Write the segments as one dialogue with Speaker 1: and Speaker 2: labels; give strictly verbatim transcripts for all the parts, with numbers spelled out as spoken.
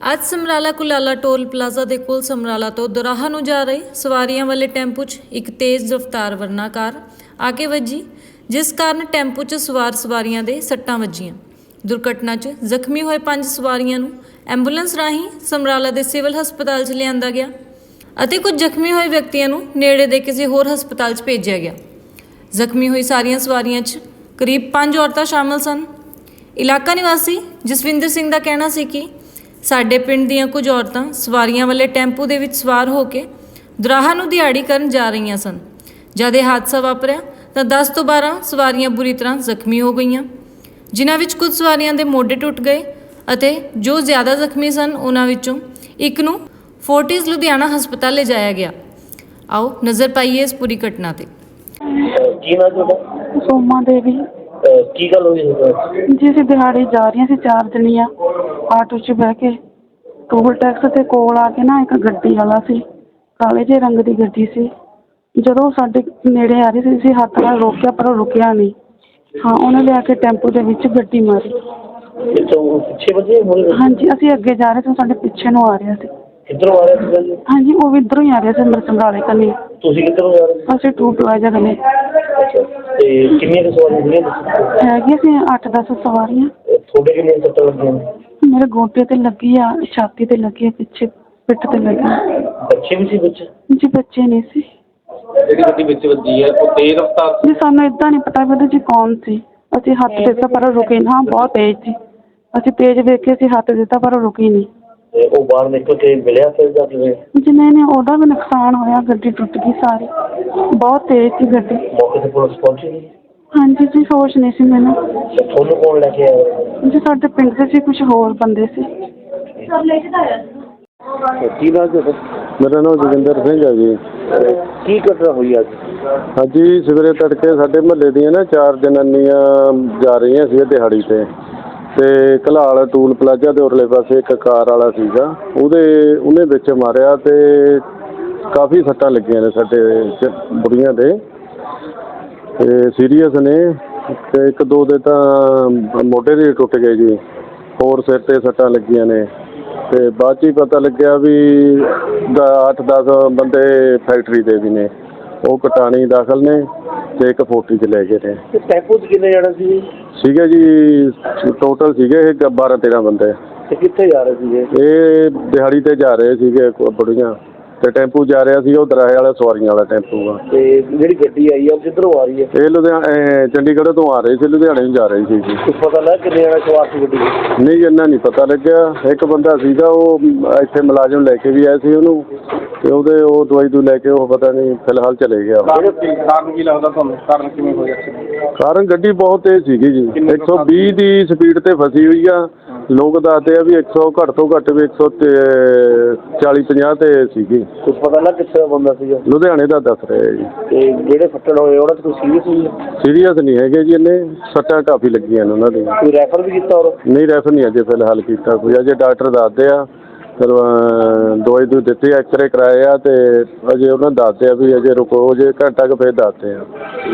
Speaker 1: ਅੱਜ Samrala ਕੁਲਾਲਾ toll plaza ਦੇ ਕੋਲ ਸਮਰਾਲਾ ਤੋਂ ਦੋਰਾਹਾ ਨੂੰ ਜਾ ਰਹੇ ਸਵਾਰੀਆਂ ਵਾਲੇ ਟੈਂਪੂ 'ਚ ਇੱਕ ਤੇਜ਼ ਰਫ਼ਤਾਰ ਵਰਨਾ ਕਾਰ ਆ ਕੇ ਵੱਜੀ, ਜਿਸ ਕਾਰਨ ਟੈਂਪੂ 'ਚ ਸਵਾਰ ਸਵਾਰੀਆਂ ਦੇ ਸੱਟਾਂ ਵੱਜੀਆਂ। ਦੁਰਘਟਨਾ 'ਚ ਜ਼ਖਮੀ ਹੋਏ ਪੰਜ ਸਵਾਰੀਆਂ ਨੂੰ ਐਂਬੂਲੈਂਸ ਰਾਹੀਂ ਸਮਰਾਲਾ ਦੇ ਸਿਵਲ ਹਸਪਤਾਲ 'ਚ ਲਿਆਂਦਾ ਗਿਆ ਅਤੇ ਕੁਝ ਜ਼ਖਮੀ ਹੋਏ ਵਿਅਕਤੀਆਂ ਨੂੰ ਨੇੜੇ ਦੇ ਕਿਸੇ ਹੋਰ ਹਸਪਤਾਲ 'ਚ ਭੇਜਿਆ ਗਿਆ। ਜ਼ਖਮੀ ਹੋਈ ਸਾਰੀਆਂ ਸਵਾਰੀਆਂ 'ਚ ਕਰੀਬ ਪੰਜ ਔਰਤਾਂ ਸ਼ਾਮਲ ਸਨ। ਇਲਾਕਾ ਨਿਵਾਸੀ ਜਸਵਿੰਦਰ ਸਿੰਘ ਦਾ ਕਹਿਣਾ ਸੀ ਕਿ ਸਾਡੇ ਪਿੰਡ ਦੀਆਂ ਕੁਝ ਔਰਤਾਂ ਸਵਾਰੀਆਂ ਵਾਲੇ ਟੈਂਪੂ ਦੇ ਵਿੱਚ ਸਵਾਰ ਹੋ ਕੇ ਦੋਰਾਹਾ ਨੂੰ ਦਿਹਾੜੀ ਕਰਨ ਜਾ ਰਹੀਆਂ ਸਨ। ਜਦ ਇਹ ਹਾਦਸਾ ਵਾਪਰਿਆ ਤਾਂ ਦਸ ਤੋਂ ਬਾਰਾਂ ਸਵਾਰੀਆਂ ਬੁਰੀ ਤਰ੍ਹਾਂ ਜ਼ਖਮੀ ਹੋ ਗਈਆਂ, ਜਿਨ੍ਹਾਂ ਵਿੱਚ ਕੁਝ ਸਵਾਰੀਆਂ ਦੇ ਮੋਢੇ ਟੁੱਟ ਗਏ ਅਤੇ ਜੋ ਜ਼ਿਆਦਾ ਜ਼ਖਮੀ ਸਨ ਉਹਨਾਂ ਵਿੱਚੋਂ ਇੱਕ ਨੂੰ ਫੋਰਟਿਸ ਲੁਧਿਆਣਾ ਹਸਪਤਾਲ ਲਿਜਾਇਆ ਗਿਆ। ਆਓ ਨਜ਼ਰ ਪਾਈਏ ਇਸ ਪੂਰੀ ਘਟਨਾ ਤੇ।
Speaker 2: ਕੀ ਨਾਮ ਤੁਹਾਡਾ?
Speaker 3: ਸੋਮਾ ਦੇਵੀ।
Speaker 2: ਕੀ ਗੱਲ ਹੋਈ
Speaker 3: ਜੀ ਅਸੀਂ ਦਿਹਾੜੀ ਜਾ ਰਹੀਆਂ ਸੀ, ਚਾਰ ਜਣੀਆਂ ਆਟੋ 'ਚ ਬਹਿ ਕੇ। ਟੋਲ ਟੈਕਸ ਤੇ ਕੋਲ ਆ ਕੇ ਨਾ ਇੱਕ ਗੱਡੀ ਵਾਲਾ ਸੀ, ਕਾਲੇ ਜਿਹੇ ਰੰਗ ਦੀ ਗੱਡੀ ਸੀ। ਜਦੋਂ ਸਾਡੇ ਨੇੜੇ ਆ ਰਹੀ ਸੀ ਅਸੀਂ ਹੱਥ ਨਾਲ ਰੋਕਿਆ ਪਰ ਉਹ ਰੁਕਿਆ ਨਹੀਂ। ਹਾਂ, ਉਹਨੇ ਲਿਆ ਕੇ ਟੈਂਪੂ ਦੇ ਵਿੱਚ ਗੱਡੀ ਮਾਰੀ।
Speaker 2: ਪਿੱਛੇ ਵੱਜੇ?
Speaker 3: ਹਾਂਜੀ, ਅਸੀਂ ਅੱਗੇ ਜਾ ਰਹੇ ਸੀ, ਸਾਡੇ ਪਿੱਛੇ ਨੂੰ ਆ ਰਿਹਾ ਸੀ।
Speaker 2: ਕਿੱਧਰੋਂ ਆ ਰਿਹਾ ਸੀ?
Speaker 3: ਹਾਂਜੀ, ਉਹ ਵੀ ਇੱਧਰੋਂ ਹੀ ਆ ਰਿਹਾ ਸੀ, ਅੰਮ੍ਰਿਤ ਸਮਰਾਲੇ ਕੰਨੀ।
Speaker 2: ਤੁਸੀਂ ਕਿੱਧਰੋਂ ਜਾ ਰਹੇ ਸੀ?
Speaker 3: ਅਸੀਂ ਟੂ ਪਲਾਜ਼ਾ ਕੰਨੀ।
Speaker 2: ਅੱਛਾ, ਤੇ ਕਿੰਨੀਆਂ ਕੁ ਸਵਾਰੀਆਂ ਸੀਗੀਆਂ?
Speaker 3: ਹੈਗੀਆਂ ਸੀ ਅੱਠ ਦਸ ਸਵਾਰੀਆਂ।
Speaker 2: ਤੁਹਾਡੇ ਕਿੰਨੀਆਂ ਸੱਟਾਂ ਲੱਗੀਆਂ?
Speaker 3: ਮੇਰੇ ਗੋਡੇ ਤੇ ਲੱਗੀ ਆ, ਛਾਤੀ ਤੇ ਲੱਗੀ ਆ, ਪਿੱਛੇ ਪਿੱਠ ਤੇ ਲੱਗੀ।
Speaker 2: ਬੱਚੇ ਵੀ ਸੀ ਵਿੱਚ?
Speaker 3: ਜੀ ਬੱਚੇ ਨਹੀਂ ਸੀ।
Speaker 2: ਜਿਹੜੀ ਗੱਡੀ ਵਿੱਚ ਵੱਜੀ ਹੈ ਉਹ ਤੇਜ਼ ਰਫ਼ਤਾਰ
Speaker 3: ਜੀ ਸਾਨੂੰ ਏਦਾਂ ਨਹੀਂ ਪਤਾ ਵੀ ਉਹਦੇ 'ਚ ਕੌਣ ਸੀ। ਅਸੀਂ ਹੱਥ ਦਿੱਤਾ ਪਰ ਉਹ ਰੁਕੇ ਨਾ, ਬਹੁਤ ਤੇਜ਼ ਸੀ। ਅਸੀਂ ਤੇਜ਼ ਵੇਖ ਕੇ ਅਸੀਂ ਹੱਥ ਦਿੱਤਾ ਪਰ ਉਹ ਰੁਕੀ ਨਹੀਂ।
Speaker 2: ਤੇ ਉਹ ਬਾਹਰ ਨਿਕਲ ਕੇ ਮਿਲਿਆ ਫਿਰ ਜਾ ਕੇ?
Speaker 3: ਜੀ ਨਹੀਂ ਨਹੀਂ, ਉਹਦਾ ਵੀ ਨੁਕਸਾਨ ਹੋਇਆ, ਗੱਡੀ ਟੁੱਟ ਗਈ ਸਾਰੀ, ਬਹੁਤ ਤੇਜ਼ ਸੀ ਗੱਡੀ।
Speaker 2: ਮੌਕੇ ਤੇ ਪੁਲਿਸ ਪਹੁੰਚੀ ਨਹੀਂ?
Speaker 3: ਹਾਂਜੀ ਜੀ, ਹੋਸ਼ ਨਹੀਂ ਸੀ ਮੈਨੂੰ।
Speaker 2: ਤੁਹਾਨੂੰ ਕੌਣ ਲੈ ਕੇ ਆਇਆ?
Speaker 3: ਜੀ ਸਾਡੇ ਪਿੰਡ ਦੇ ਸੀ, ਕੁਝ ਹੋਰ ਬੰਦੇ ਸੀ।
Speaker 2: ਕੀ ਨਾਮ ਤੁਹਾਡਾ?
Speaker 4: ਮੇਰਾ ਨਾਮ ਜੋਗਿੰਦਰ ਸਿੰਘ ਹੈ ਜੀ।
Speaker 2: ਕੀ ਘਟਨਾ ਹੋਈ ਅੱਜ?
Speaker 4: ਹਾਂਜੀ, ਸਵੇਰੇ ਤੜਕੇ ਸਾਡੇ ਮੁਹੱਲੇ ਦੀਆਂ ਨਾ ਚਾਰ ਜਨਾਨੀਆਂ ਜਾ ਰਹੀਆਂ ਸੀ ਦਿਹਾੜੀ 'ਤੇ ਅਤੇ ਘਲਾਲ ਟੂਲ ਪਲਾਜ਼ਾ ਦੇ ਉਰਲੇ ਪਾਸੇ ਇੱਕ ਕਾਰ ਵਾਲਾ ਸੀਗਾ, ਉਹਦੇ ਉਹਨੇ ਵਿੱਚ ਮਾਰਿਆ ਅਤੇ ਕਾਫੀ ਸੱਟਾਂ ਲੱਗੀਆਂ ਨੇ ਸਾਡੇ ਚ ਬੁੜੀਆਂ ਦੇ, ਅਤੇ ਸੀਰੀਅਸ ਨੇ। ਅਤੇ ਇੱਕ ਦੋ ਦੇ ਤਾਂ ਮੋਢੇ ਦੇ ਟੁੱਟ ਗਏ ਜੀ, ਹੋਰ ਸਿਰ 'ਤੇ ਸੱਟਾਂ ਲੱਗੀਆਂ ਨੇ। ਅਤੇ ਬਾਅਦ 'ਚ ਹੀ ਪਤਾ ਲੱਗਿਆ ਵੀ ਅੱਠ ਦਸ ਬੰਦੇ ਫੈਕਟਰੀ ਦੇ ਵੀ ਨੇ, ਉਹ ਕਟਾਣੀ ਦਾਖਲ ਨੇ ਅਤੇ ਇੱਕ ਫੋਰਟੀ 'ਚ ਲੈ ਗਏ ਨੇ।
Speaker 2: ਟੈਂਪੂ 'ਚ ਕਿੰਨੇ ਜਾਣੇ ਸੀ?
Speaker 4: ਸੀਗੇ ਜੀ ਟੋਟਲ ਸੀਗੇ ਇਹ ਬਾਰਾਂ ਤੇਰਾਂ ਬੰਦੇ।
Speaker 2: ਤੇ ਕਿੱਥੇ ਜਾ ਰਹੇ ਸੀਗੇ?
Speaker 4: ਇਹ ਦਿਹਾੜੀ 'ਤੇ ਜਾ ਰਹੇ ਸੀਗੇ ਬੁੜੀਆਂ, ਅਤੇ ਟੈਂਪੂ ਜਾ ਰਿਹਾ ਸੀ ਉਹ ਦਰਾਹੇ ਵਾਲਾ ਸਵਾਰੀਆਂ ਵਾਲਾ ਟੈਂਪੂ ਆ।
Speaker 2: ਤੇ ਜਿਹੜੀ ਗੱਡੀ ਆਈ ਆ ਉਹ ਕਿੱਧਰੋਂ ਆ ਰਹੀ ਹੈ?
Speaker 4: ਇਹ ਲੁਧਿਆਣਾ ਚੰਡੀਗੜ੍ਹ ਤੋਂ ਆ ਰਹੀ ਸੀ, ਲੁਧਿਆਣੇ ਨੂੰ ਜਾ ਰਹੀ ਸੀ ਜੀ।
Speaker 2: ਕੁਛ ਪਤਾ ਲੱਗਾ ਕਿੰਨੇ ਜਾਣੇ ਸਵਾਰ ਸੀ ਗੱਡੀ?
Speaker 4: ਨਹੀਂ, ਇੰਨਾ ਨਹੀਂ ਪਤਾ ਲੱਗਿਆ। ਇੱਕ ਬੰਦਾ ਸੀਗਾ ਉਹ ਇੱਥੇ ਮੁਲਾਜ਼ਮ ਲੈ ਕੇ ਵੀ ਆਏ ਸੀ ਉਹਨੂੰ, ਅਤੇ ਉਹਦੇ ਉਹ ਦਵਾਈ ਦੂ ਲੈ ਕੇ ਉਹ ਪਤਾ ਨਹੀਂ ਫਿਲਹਾਲ ਚਲੇ ਗਿਆ।
Speaker 2: ਕਾਰਨ ਕੀ ਲੱਗਦਾ ਤੁਹਾਨੂੰ? ਕਾਰਨ ਕਿਵੇਂ ਹੋਇਆ?
Speaker 4: ਕਾਰਨ ਗੱਡੀ ਬਹੁਤ ਤੇਜ਼ ਸੀਗੀ ਜੀ, ਇੱਕ ਸੌ ਵੀਹ ਦੀ ਸਪੀਡ 'ਤੇ ਫਸੀ ਹੋਈ ਆ। ਲੋਕ ਦੱਸਦੇ ਆ ਵੀ ਇੱਕ ਸੌ ਘੱਟ ਤੋਂ ਘੱਟ ਵੀ ਇੱਕ ਸੌ ਚਾਲੀ ਪੰਜਾਹ 'ਤੇ ਸੀਗੀ।
Speaker 2: ਕੁਛ ਪਤਾ ਲੱਗਾ ਕਿੱਥੇ ਦਾ ਬੰਦਾ ਸੀਗਾ?
Speaker 4: ਲੁਧਿਆਣੇ ਦਾ ਦੱਸ ਰਹੇ ਜੀ।
Speaker 2: ਤੇ ਜਿਹੜੇ ਫੱਟੜ ਹੋਏ ਉਹਨਾਂ 'ਚ ਕੋਈ ਸੀਰੀਅਸ ਹੋਈ ਹੈ?
Speaker 4: ਸੀਰੀਅਸ ਨਹੀਂ ਹੈਗੇ ਜੀ, ਇਹਨੇ ਸੱਟਾਂ ਕਾਫੀ ਲੱਗੀਆਂ ਨੇ ਉਹਨਾਂ ਦੀਆਂ।
Speaker 2: ਕੋਈ ਰੈਫਰ ਵੀ ਕੀਤਾ? ਔਰ
Speaker 4: ਨਹੀਂ, ਰੈਫਰ ਨਹੀਂ ਅਜੇ ਫਿਲਹਾਲ ਕੀਤਾ ਕੋਈ, ਅਜੇ ਡਾਕਟਰ ਦੱਸਦੇ ਆ। ਫਿਰ ਦਵਾਈ ਦੂਈ ਦਿੱਤੀ, ਐਕਸਰੇ ਕਰਾਏ ਆ, ਅਤੇ ਅਜੇ ਉਹਨਾਂ ਦੱਸਦੇ ਆ ਵੀ ਅਜੇ ਰੁਕੋ, ਅਜੇ ਘੰਟਾ ਕੁ ਫਿਰ ਦੱਸਦੇ ਆ।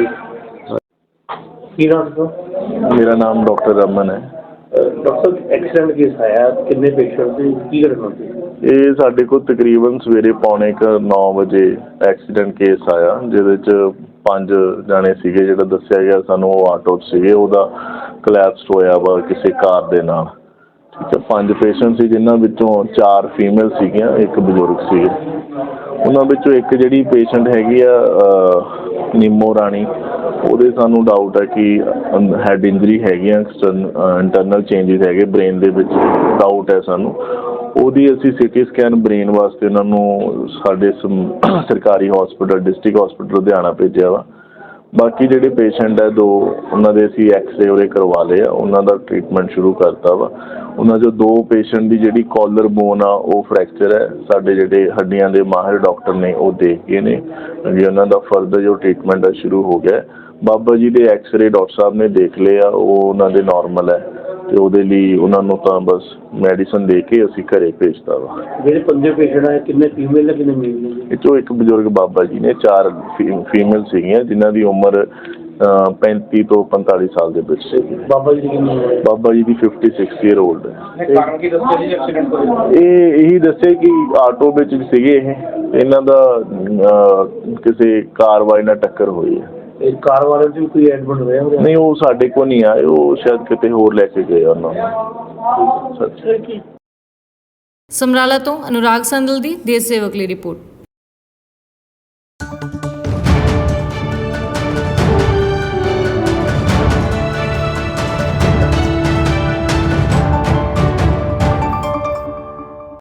Speaker 2: ਕੀ ਨਾਮ ਤੁਹਾਡਾ?
Speaker 4: ਮੇਰਾ ਨਾਮ ਡਾਕਟਰ ਰਮਨ ਹੈ।
Speaker 2: ਡਾਕਟਰ, ਐਕਸੀਡੈਂਟ ਕੇਸ ਆਇਆ, ਕਿੰਨੇ ਪੇਸ਼ੈਂਟ ਸੀ, ਕੀ ਘਟਨਾ ਸੀ?
Speaker 4: ਇਹ ਸਾਡੇ ਕੋਲ ਤਕਰੀਬਨ ਸਵੇਰੇ ਪੌਣੇ ਕੁ ਨੌ ਵਜੇ ਐਕਸੀਡੈਂਟ ਕੇਸ ਆਇਆ, ਜਿਹਦੇ 'ਚ ਪੰਜ ਜਾਣੇ ਸੀਗੇ। ਜਿਹੜਾ ਦੱਸਿਆ ਗਿਆ ਸਾਨੂੰ ਉਹ ਆਟੋ 'ਚ ਸੀਗੇ, ਉਹਦਾ ਕਲੈਪਸ ਹੋਇਆ ਵਾ ਕਿਸੇ ਕਾਰ ਦੇ ਨਾਲ। ਠੀਕ ਹੈ, ਪੰਜ ਪੇਸ਼ੈਂਟ ਸੀ, ਜਿਨ੍ਹਾਂ ਵਿੱਚੋਂ ਚਾਰ ਫੀਮੇਲ ਸੀਗੀਆਂ, ਇੱਕ ਬਜ਼ੁਰਗ ਸੀਗੇ। ਉਹਨਾਂ ਵਿੱਚੋਂ ਇੱਕ ਜਿਹੜੀ ਪੇਸ਼ੈਂਟ ਹੈਗੀ ਆ ਨੀਮੋ ਰਾਣੀ, ਉਹਦੇ ਸਾਨੂੰ ਡਾਊਟ ਹੈ ਕਿ ਹੈਡ ਇੰਜਰੀ ਹੈਗੀਆਂ, ਇੰਟਰਨਲ ਚੇਂਜਿਸ ਹੈਗੇ ਬ੍ਰੇਨ ਦੇ ਵਿੱਚ, ਡਾਊਟ ਹੈ ਸਾਨੂੰ। ਉਹਦੀ ਅਸੀਂ ਸਿਟੀ ਸਕੈਨ ਬ੍ਰੇਨ ਵਾਸਤੇ ਉਹਨਾਂ ਨੂੰ ਸਾਡੇ ਸਰਕਾਰੀ ਹੌਸਪੀਟਲ ਡਿਸਟ੍ਰਿਕਟ ਹੌਸਪੀਟਲ ਲੁਧਿਆਣਾ ਭੇਜਿਆ ਵਾ। ਬਾਕੀ ਜਿਹੜੇ ਪੇਸ਼ੈਂਟ ਹੈ ਦੋ, ਉਹਨਾਂ ਦੇ ਅਸੀਂ ਐਕਸਰੇ ਉਹਦੇ ਕਰਵਾ ਲਏ ਆ, ਉਹਨਾਂ ਦਾ ਟਰੀਟਮੈਂਟ ਸ਼ੁਰੂ ਕਰਤਾ ਵਾ। ਉਹਨਾਂ 'ਚੋਂ ਦੋ ਪੇਸ਼ੈਂਟ ਦੀ ਜਿਹੜੀ ਕਾਲਰ ਬੋਨ ਆ ਉਹ ਫ੍ਰੈਕਚਰ ਹੈ, ਸਾਡੇ ਜਿਹੜੇ ਹੱਡੀਆਂ ਦੇ ਮਾਹਿਰ ਡਾਕਟਰ ਨੇ ਉਹ ਦੇਖ ਗਏ ਨੇ ਵੀ ਉਹਨਾਂ ਦਾ ਫਰਦਰ ਜੋ ਟਰੀਟਮੈਂਟ ਹੈ ਸ਼ੁਰੂ ਹੋ ਗਿਆ। ਬਾਬਾ ਜੀ ਦੇ ਐਕਸਰੇ ਡਾਕਟਰ ਸਾਹਿਬ ਨੇ ਦੇਖ ਲਏ ਆ, ਉਹ ਉਹਨਾਂ ਦੇ ਨਾਰਮਲ ਹੈ, ਅਤੇ ਉਹਦੇ ਲਈ ਉਹਨਾਂ ਨੂੰ ਤਾਂ ਬਸ ਮੈਡੀਸਨ ਦੇ ਕੇ ਅਸੀਂ ਘਰੇ ਭੇਜਤਾ ਵਾ।
Speaker 2: ਜਿਹੜੇ ਪੰਜੇ ਪੇਸ਼ੈਂਟ ਆਏ ਕਿੰਨੇ ਫੀਮੇਲ ਨੇ ਕਿੰਨੇ ਮੇਲ ਨੇ?
Speaker 4: ਇਹ 'ਚੋਂ ਇੱਕ ਬਜ਼ੁਰਗ ਬਾਬਾ ਜੀ ਨੇ, ਚਾਰ ਫੀ ਫੀਮੇਲ ਸੀਗੀਆਂ ਜਿਨ੍ਹਾਂ ਦੀ ਉਮਰ ਪੈਂਤੀ ਤੋਂ ਪੰਤਾਲੀ ਸਾਲ ਦੇ ਵਿੱਚ ਸੀਗੇ।
Speaker 2: ਬਾਬਾ ਜੀ ਦੀ ਕਿੰਨੀ ਉਮਰ ਹੈ?
Speaker 4: ਬਾਬਾ ਜੀ ਦੀ ਫਿਫਟੀ ਸਿਕਸ ਈਅਰ ਓਲਡ ਹੈ।
Speaker 2: ਕਾਰਨ ਕੀ ਦੱਸਿਆ ਜੀ ਐਕਸੀਡੈਂਟ ਦਾ?
Speaker 4: ਇਹ ਇਹੀ ਦੱਸਿਆ ਕਿ ਆਟੋ ਵਿੱਚ ਸੀਗੇ ਇਹ, ਇਹਨਾਂ ਦਾ ਅਹ, ਕਿਸੇ ਕਾਰ ਵਾਲੇ ਨਾਲ ਟੱਕਰ ਹੋਈ ਹੈ।
Speaker 2: ਇਹ ਕਾਰ ਵਾਲੇ ਦੀ ਕੋਈ ਐਡਮਿਟ ਹੋਇਆ ਹੋਇਆ?
Speaker 4: ਨਹੀਂ, ਉਹ ਸਾਡੇ ਕੋਲ ਨਹੀਂ ਆਏ, ਉਹ ਸ਼ਾਇਦ ਕਿਤੇ ਹੋਰ ਲੈ ਕੇ ਗਏ ਉਹਨਾਂ ਨੂੰ।
Speaker 1: ਸਮਰਾਲਾ ਤੋਂ ਅਨੁਰਾਗ ਸੰਦਲ ਦੀ ਦੇਸ਼ ਸੇਵਕ ਲਈ ਰਿਪੋਰਟ।